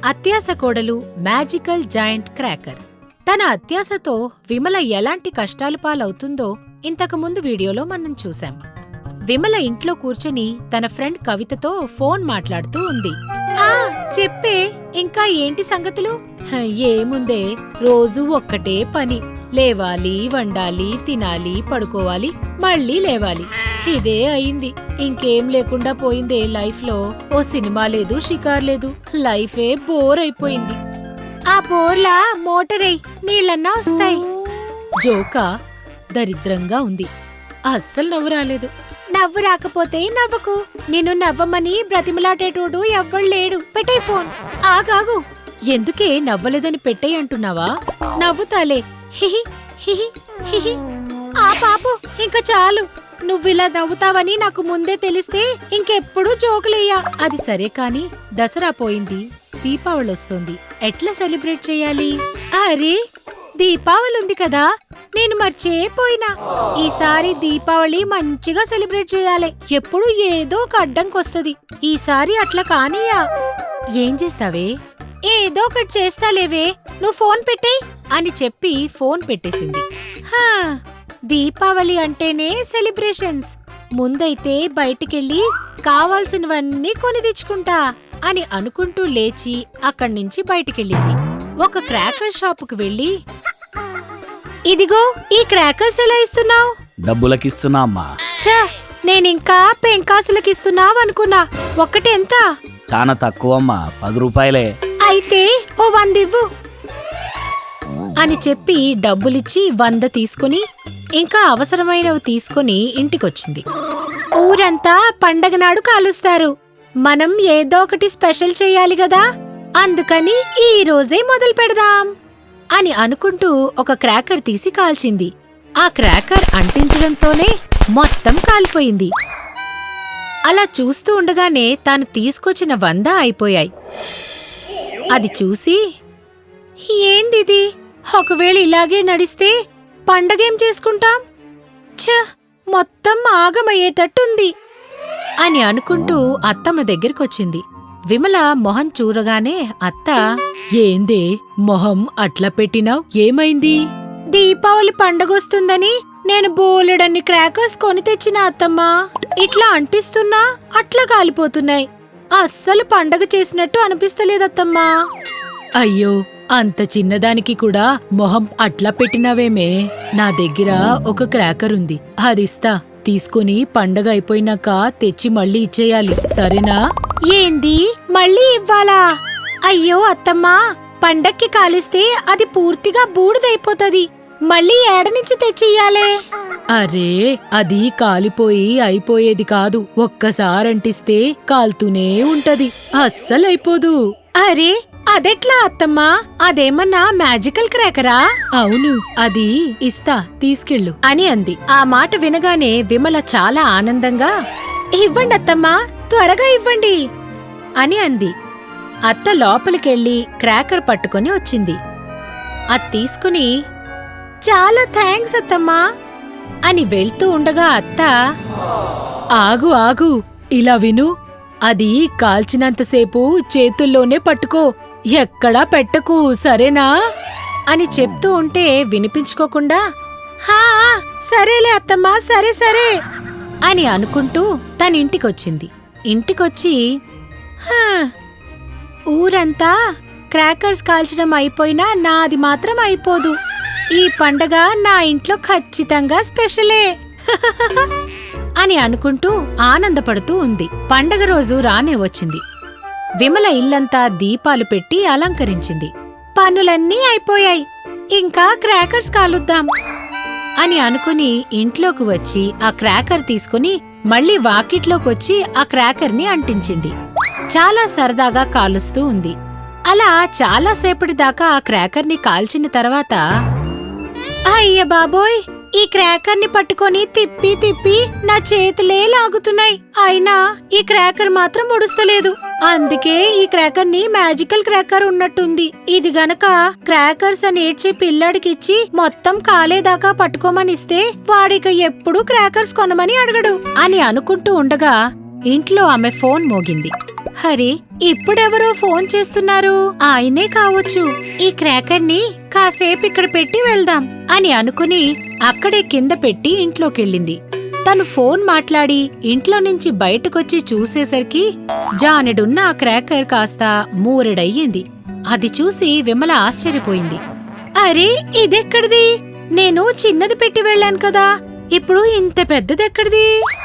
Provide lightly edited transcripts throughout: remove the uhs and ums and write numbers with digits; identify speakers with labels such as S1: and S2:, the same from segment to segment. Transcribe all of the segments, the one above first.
S1: అత్యాస కోడలు magical joint cracker. తన అత్యాసతో విమల ఎలాంటి కష్టాలు పాలవుతుందో ఇంతకుముందు వీడియోలో మనం చూశాం. విమల ఇంట్లో కూర్చొని తన ఫ్రెండ్ కవితతో ఫోన్ మాట్లాడుతూ ఉంది. చెప్పే, ఇంకా ఏంటి సంగతులు? ఏముందే, రోజూ ఒక్కటే పని. లేవాలి, వండాలి, తినాలి, పడుకోవాలి, మళ్ళీ లేవాలి. ఇదే అయింది. ఇంకేం లేకుండా పోయిందే లైఫ్ లో. ఓ సినిమా లేదు, షికార్ లేదు. లైఫే బోర్ అయిపోయింది. ఆ బోర్లా మోటరై నీళ్ళన్నా వస్తాయి. జోకా దరిద్రంగా ఉంది. అస్సలు నవ్వు రాలేదు. నవ్వు రాకపోతే నవ్వకు. నిన్ను నవ్వమని బ్రతిమలాటేటోడు ఎవ్వళ్ళేడు. పెట్టే ఫోన్. ఆగాగు. ఎందుకే నవ్వలేదని పెట్టేయ్ అంటున్నావా? నవ్వుతాలే. హిహి హిహి హిహి. ఆ పాపు, ఇంక చాలు. నువ్విలా నవ్వుతావని నాకు ముందే తెలిస్తే ఇంకెప్పుడు జోకులేయ్యా. అది సరే కాని దసరా పోయింది, దీపావళొస్తోంది. ఎట్లా సెలబ్రేట్ చెయ్యాలి? అరే, దీపావళి ఉంది కదా, నేను మర్చిపోయినా. ఈసారి దీపావళి మంచిగా సెలబ్రేట్ చేయాలి. ఎప్పుడు ఏదో ఒక అడ్డంకొస్తది. ఈసారి అట్లా కానీయా. ఏం చేస్తావే? ఏదో ఒకటి చేస్తాలేవే, నువ్వు ఫోన్ పెట్టేయ్ అని చెప్పి ఫోన్ పెట్టేసింది. దీపావళి అంటేనే సెలబ్రేషన్స్. ముందైతే బయటికెళ్ళి కావాల్సినవన్నీ కొని తెచ్చుకుంటా అని అనుకుంటూ లేచి అక్కడ్నించి బయటికెళ్ళింది. ఒక క్రాకర్ షాపుకు వెళ్ళి, ఇదిగో ఈ క్రాకర్స్ ఎలా ఇస్తున్నావు?
S2: డబ్బులకిస్తున్నా అమ్మా.
S1: ఛా, నేనింకా పెంకాసులకిస్తున్నావు అనుకున్నా. ఒక్కటెంత?
S2: చాలా తక్కువ అమ్మా, 10 రూపాయలే.
S1: అయితే ఓ 100 ఇవ్వు అని చెప్పి డబ్బులిచ్చి 100 తీసుకుని ఇంకా అవసరమైనవి తీసుకుని ఇంటికొచ్చింది. ఊరంతా పండగ నాడు కాలుస్తారు. మనం ఏదో ఒకటి స్పెషల్ చెయ్యాలి గదా, అందుకని ఈ రోజే మొదలు పెడదాం అని అనుకుంటూ ఒక క్రాకర్ తీసి కాల్చింది. ఆ క్రాకర్ అంటించడంతోనే మొత్తం కాలిపోయింది. అలా చూస్తూ ఉండగానే తాను తీసుకొచ్చిన 100 అయిపోయాయి. అది చూసి, ఏందిది? ఒకవేళ ఇలాగే నడిస్తే పండగేం చేసుకుంటాం? ఛ, మొత్తం ఆగమయ్యేటట్టుంది అని అనుకుంటూ అత్తమ్మ దగ్గరకొచ్చింది. విమల మొహం చూడగానే అత్త, ఏందే మొహం అట్లా పెట్టినావ్? ఏమైంది? దీపావళి పండగొస్తుందని నేను బోలెడన్ని క్రాకర్స్ కొని తెచ్చిన అత్తమ్మా. ఇట్లా అంటిస్తున్నా అట్లా కాలిపోతున్నాయి. అస్సలు పండగ చేసినట్టు అనిపిస్తలేదత్తమ్మా. అయ్యో, అంత చిన్నదానికి కూడా మొహం అట్లా పెట్టినావేమే? నా దగ్గర ఒక క్రాకర్ ఉంది, అదిస్తా. తీసుకుని పండగ అయిపోయినాక తెచ్చి మళ్ళీ ఇచ్చేయాలి, సరేనా? ఏంది, మళ్ళీ ఇవ్వాలా? అయ్యో అత్తమ్మా, పండక్కి కాలిస్తే అది పూర్తిగా బూడిదైపోతది. మళ్ళీ ఏడనుంచి తెచ్చియ్యాలే? అరే, అది కాలిపోయి అయిపోయేది కాదు. ఒక్కసారంటిస్తే కాల్తూనే ఉంటది, అస్సలైపోదు. అరే, అదెట్లా అత్తమ్మా? అదేమన్నా మ్యాజికల్ క్రాకరా? అవును, అది ఇస్తా, తీసుకెళ్ళు అని అంది. ఆ మాట వినగానే విమల చాలా ఆనందంగా, ఇవ్వండి అత్తమ్మా, త్వరగా ఇవ్వండి అని అంది. అత్త లోపలికెళ్ళి క్రాకర్ పట్టుకొని వచ్చింది. అది తీసుకుని, చాలా థ్యాంక్స్ అత్తమ్మా అని వెళ్తూ ఉండగా అత్త, ఆగు ఆగు, ఇలా విను. అది కాల్చినంతసేపు చేతుల్లోనే పట్టుకో, ఎక్కడా పెట్టకు, సరేనా అని చెప్తూ ఉంటే వినిపించుకోకుండా, హా సరేలే అత్తమ్మా, సరే సరే అని అనుకుంటూ తనింటికొచ్చింది. ఇంటికొచ్చి, ఊరంతా క్రాకర్స్ కాల్చడం అయిపోయినా నాది మాత్రం అయిపోదు. ఈ పండగ నా ఇంట్లో ఖచ్చితంగా స్పెషలే అని అనుకుంటూ ఆనందపడుతూ ఉంది. పండగ రోజు రానే వచ్చింది. విమల ఇల్లంతా దీపాలు పెట్టి అలంకరించింది. పనులన్నీ అయిపోయాయి, ఇంకా క్రాకర్స్ కాలుద్దాం అని అనుకుని ఇంట్లోకి వచ్చి ఆ క్రాకర్ తీసుకుని మళ్ళీ వాకిట్లోకొచ్చి ఆ క్రాకర్ని అంటించింది. చాలా సరదాగా కాలుస్తూ ఉంది. అలా చాలాసేపటిదాకా ఆ క్రాకర్ని కాల్చిన తర్వాత, అయ్య బాబోయ్, ఈ క్రాకర్ని పట్టుకొని తిప్పి తిప్పి నా చేతులే లాగుతున్నాయి. అయినా ఈ క్రాకర్ మాత్రం ఉడుస్తలేదు. అందుకే ఈ క్రాకర్ని మ్యాజికల్ క్రాకర్ ఉన్నట్టుంది. ఇది గనక క్రాకర్స్ అని ఏడ్చే పిల్లాడికిచ్చి మొత్తం కాలేదాకా పట్టుకోమనిస్తే వాడిక ఎప్పుడూ క్రాకర్స్ కొనమని అడగడు అని అనుకుంటూ ఉండగా ఇంట్లో ఆమె ఫోన్ మోగింది. హరి, ఇప్పుడెవరో ఫోన్ చేస్తున్నారు, ఆయనే కావచ్చు. ఈ క్రాకర్ ని కాసేపు ఇక్కడ పెట్టి వెళ్దాం అని అనుకుని అక్కడే కింద పెట్టి ఇంట్లోకెళ్ళింది. తను ఫోన్ మాట్లాడి ఇంట్లో నుంచి బయటకొచ్చి చూసేసరికి జానెడున్న ఆ క్రాకర్ కాస్త మూరెడయ్యింది. అది చూసి విమల ఆశ్చర్యపోయింది. అరే, ఇదెక్కడిది? నేను చిన్నది పెట్టి వెళ్ళాను కదా, ఇప్పుడు ఇంత పెద్దదెక్కడిది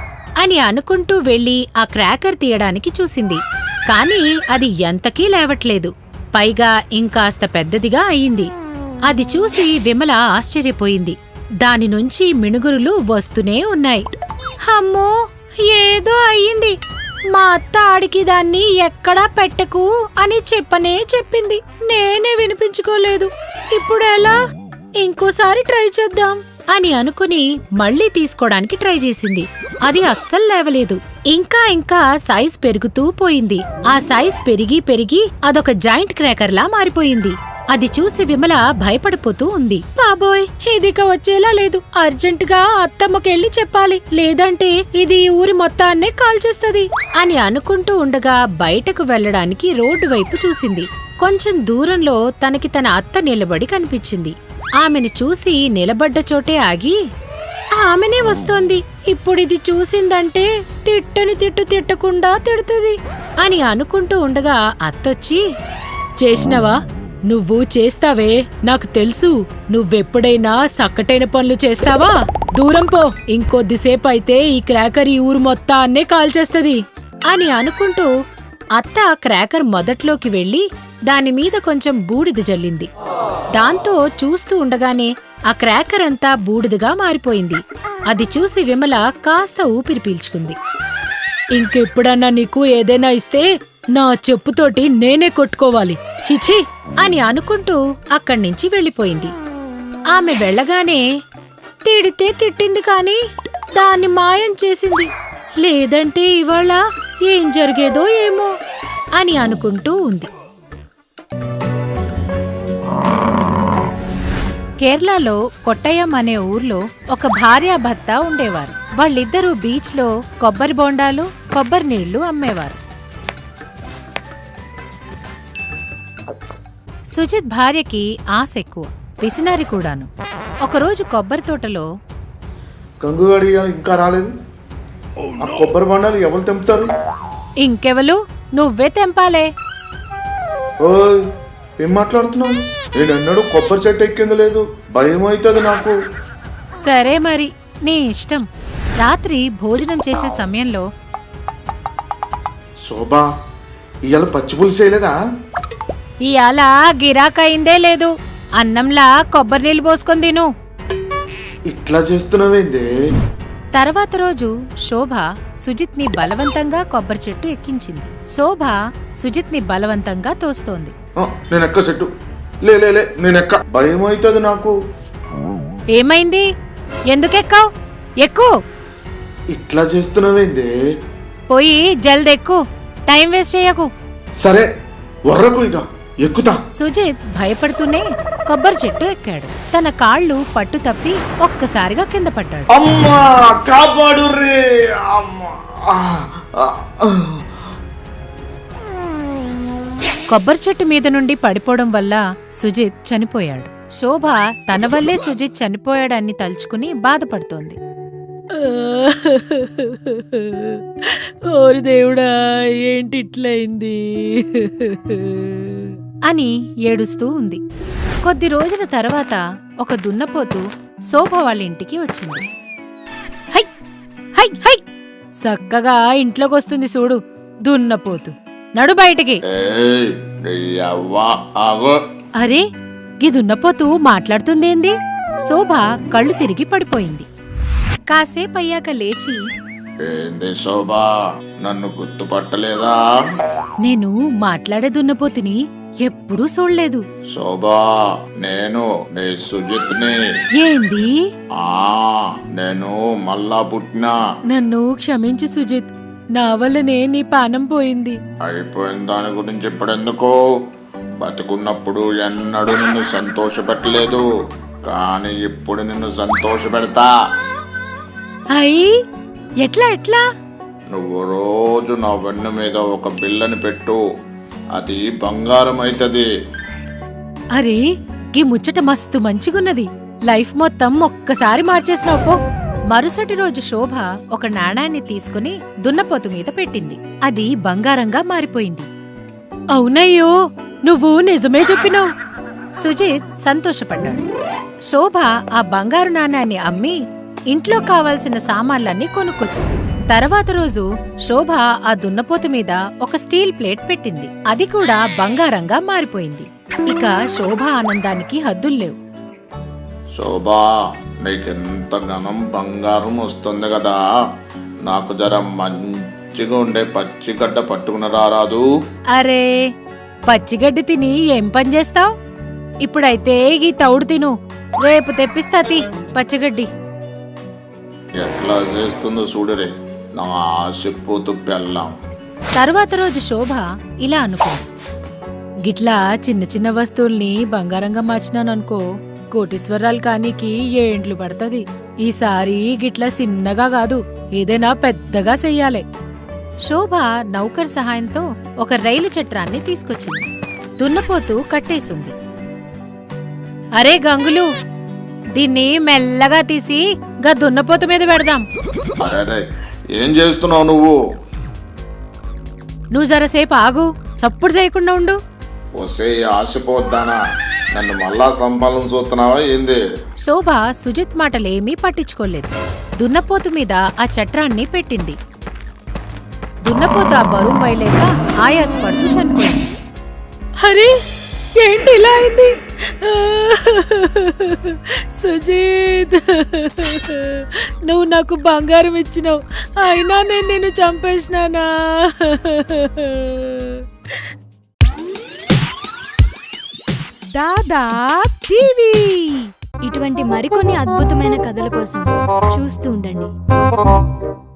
S1: అని అనుకుంటూ వెళ్లి ఆ క్రాకర్ తీయడానికి చూసింది. కాని అది ఎంతకీ లేవట్లేదు. పైగా ఇంకాస్త పెద్దదిగా అయింది. అది చూసి విమల ఆశ్చర్యపోయింది. దాని నుంచి మిణుగురులు వస్తూనే ఉన్నాయి. అమ్మో, ఏదో అయ్యింది. మా అత్త ఆడికి దాన్ని ఎక్కడా పెట్టకు అని చెప్పనే చెప్పింది. నేనే వినిపించుకోలేదు. ఇప్పుడెలా? ఇంకోసారి ట్రై చేద్దాం అని అనుకుని మళ్లీ తీసుకోవడానికి ట్రై చేసింది. అది అస్సలు లేవలేదు. ఇంకా సైజ్ పెరుగుతూ పోయింది. ఆ సైజ్ పెరిగి పెరిగి అదొక జాయింట్ క్రాకర్ లా మారిపోయింది. అది చూసి విమల భయపడిపోతూ ఉంది. బాబోయ్, ఇదిక వచ్చేలా లేదు. అర్జెంటుగా అత్తమ్మకెళ్ళి చెప్పాలి, లేదంటే ఇది ఊరి మొత్తాన్నే కాల్చేస్తది అని అనుకుంటూ ఉండగా బయటకు వెళ్లడానికి రోడ్డు వైపు చూసింది. కొంచెం దూరంలో తనకి తన అత్త నిలబడి కనిపించింది. ఆమెను చూసి నిలబడ్డ చోటే ఆగి, ఆమెనే వస్తోంది. ఇప్పుడిది చూసిందంటే తిట్టని తిట్టకుండా తిడుతుంది అని అనుకుంటూ ఉండగా అత్తొచ్చి, చేసినవా? నువ్వు చేస్తావే, నాకు తెలుసు. నువ్వెప్పుడైనా సక్కటైన పనులు చేస్తావా? దూరం పో, ఇంకొద్దిసేపు అయితే ఈ క్రాకర్ ఈ ఊరు మొత్తాన్నే కాల్చేస్తది అని అనుకుంటూ అత్త క్రాకర్ మొదట్లోకి వెళ్లి దానిమీద కొంచెం బూడిద జల్లింది. దాంతో చూస్తూ ఉండగానే ఆ క్రాకర్ అంతా బూడిదగా మారిపోయింది. అది చూసి విమల కాస్త ఊపిరి పీల్చుకుంది. ఇంకెప్పుడన్నా నీకు ఏదైనా ఇస్తే నా చెప్పుతోటి నేనే కొట్టుకోవాలి, చిచి అని అనుకుంటూ అక్కడ్నించి వెళ్ళిపోయింది. ఆమె వెళ్ళగానే తిడితే తిట్టింది కాని దాన్ని మాయం చేసింది. లేదంటే ఇవాళ ఏం జరిగేదో ఏమో అని అనుకుంటూ ఉంది. కేరళలో కొట్టయం అనే ఊర్లో ఒక భార్యాభర్త ఉండేవారు. వాళ్ళిద్దరూ బీచ్లో కొబ్బరి బోండాలు, కొబ్బరి నీళ్లు అమ్మేవారు. సుజిత్ భార్యకి ఆశ ఎక్కువ, పిసినారి కూడాను. ఒకరోజు కొబ్బరి తోటలో,
S3: గంగుగాడి ఇంకా రాలేదు. ఆ కొబ్బరి బొండాలు ఎవరు తెంపుతారు?
S1: ఇంకెవలు, నువ్వే తెంపాలే.
S3: ఓయ్, ఏం మాట్లాడుతున్నావు? నేనన్నాడు కొబ్బరి చెట్టు ఎక్కింది లేదు, భయం అవుతుంది నాకు.
S1: సరే మరి, నీ ఇష్టం. రాత్రి భోజనం చేసే సమయంలో,
S3: శోభా, ఇవాళ పచ్చి పులుసు చేయలేదా?
S1: ఇయాల గిరాకయిందే లేదు. అన్నంలా కొబ్బరి నీళ్ళు పోసుకొని తిను.
S3: ఇట్లా చేస్తున్నావేంది?
S1: తర్వాత రోజు శోభ సుజిత్ ని బలవంతంగా కొబ్బరి చెట్టు ఎక్కించింది. శోభ సుజిత్ ని బలవంతంగా తోస్తోంది.
S3: నేనెక్క చెట్టు లే నేనెక్క, భయం అవుతుంది నాకు.
S1: ఏమైంది? ఎందుకెక్కావు? ఎక్కు.
S3: ఇట్లా చేస్తున్నావేంది?
S1: పోయి జల్దెక్కు, టైం వేస్ట్ చేయకు.
S3: సరే, వర్రకు ఇక ఎక్కుతా.
S1: సుజిత్ భయపడుతూనే కొబ్బరి చెట్టు ఎక్కాడు. తన కాళ్ళు పట్టు తప్పి ఒక్కసారిగా కింద పడ్డాడు.
S3: అమ్మా, కాపాడు రే.
S1: కొబ్బరి చెట్టు మీద నుండి పడిపోవడం వల్ల సుజిత్ చనిపోయాడు. శోభ తన వల్లే సుజిత్ చనిపోయాడని తలుచుకుని బాధపడుతోంది. ఓరి దేవుడా, ఏంటి ఇట్లయింది అని ఏడుస్తూ ఉంది. కొద్ది రోజుల తర్వాత ఒక దున్నపోతు శోభ వాళ్ళ ఇంటికి వచ్చింది. హై హై హై, చక్కగా ఇంట్లోకొస్తుంది చూడు దున్నపోతు. నడు బయటికి. అరే, గీ దున్నపోతు మాట్లాడుతుందేంది? శోభ కళ్ళు తిరిగి పడిపోయింది. కాసేపయ్యాక లేచి,
S3: ఏంది శోభా, నన్ను గుర్తుపట్టలేదా?
S1: నేను మాట్లాడే దున్నపోతుని ఎప్పుడూ చూడలేదు.
S3: శోభా, నేను నీ సుజిత్ని.
S1: ఏంది?
S3: నేను మళ్ళా పుట్టినా.
S1: నన్ను క్షమించు సుజిత్, నా వల్లనే నీ పానం పోయింది.
S3: అయిపోయిన దాని గురించి ఇప్పుడెందుకు? బతుకున్నప్పుడు ఎన్నడూ నిన్ను సంతోషపెట్టలేదు, కానీ ఇప్పుడు నిన్ను సంతోష పెడతా.
S1: అయ్యి, ఎట్లా ఎట్లా?
S3: నువ్వు రోజు నా వెన్ను మీద ఒక బిల్లని పెట్టు, అది బంగారం అవుతుంది.
S1: అరే ఈ ముచ్చట మస్తు మంచిగున్నది. లైఫ్ మొత్తం ఒక్కసారి మార్చేసినావు పో. మరుసటి రోజు శోభ ఒక నాణాన్ని తీసుకుని దున్నపోతు మీద పెట్టింది. అది బంగారంగా మారిపోయింది. అవునయ్యో, నువ్వు నిజమే చెప్పినావు. సుజిత్ సంతోషపడ్డాడు. శోభ ఆ బంగారు నాణాన్ని అమ్మి ఇంట్లో కావాల్సిన సామాన్లన్నీ కొనుక్కొచ్చింది. తర్వాత రోజు శోభ ఆ దున్నపోతు మీద ఒక స్టీల్ ప్లేట్ పెట్టింది. అది కూడా బంగారంగా మారిపోయింది. ఇక శోభ ఆనందానికి హద్దుల్లేవు.
S3: శోభా, నీకెంత ఘనం బంగారం వస్తుంది కదా, నాకు జర మంచిగా ఉండే పచ్చిగడ్డ పట్టుకుని రారాదు.
S1: అరే పచ్చిగడ్డి తిని ఏం పని చేస్తావ్? ఇప్పుడైతే ఈ తౌడు తిను, రేపు తెప్పిస్తా పచ్చిగడ్డి.
S3: ఎట్లా చేస్తుందో చూడరే నా ఆశపోతు పెళ్ళాం.
S1: తరువాత రోజు శోభ ఇలా అనుకుంది, గిట్లా చిన్న చిన్న వస్తువుల్ని బంగారంగా మార్చినాననుకో, కోటీశ్వరాలు కానీకి ఏండ్లు పడుతుంది. ఈసారి గిట్లా చిన్నగా కాదు, ఏదైనా పెద్దగా చెయ్యాలి. శోభ నౌకర్ సహాయంతో ఒక రైలు చట్రాన్ని తీసుకొచ్చింది. దున్నపోతూ కట్టేసింది. అరే గంగులు, దీన్ని మెల్లగా తీసి గా దున్నపోతు మీద పెడదాం.
S3: అరే ఏం చేస్తున్నావు నువ్వు?
S1: నువ్వు జరసేపు ఆగు, సప్పుడు చేయకుండా ఉండు.
S3: వసే ఆశపోద్దానా, నన్ను మళ్ళా సంపాదన చూస్తున్నావా ఏంది?
S1: శోభ సుజిత్ మాటలేమీ పట్టించుకోలేదు. దున్నపోతు మీద ఆ చట్రాన్ని పెట్టింది. దున్నపోతు ఆ బరువు వైలేక ఆయాసపడుతూ చనిపోయింది. అరే ఏంటి ఇలా అయింది? సుజిత్, నువ్వు నాకు బంగారం ఇచ్చినావు, అయినా నేను నిన్ను చంపేసినానా?
S4: దాదా టీవీ
S5: ఇటువంటి మరికొన్ని అద్భుతమైన కథల కోసం చూస్తూ ఉండండి.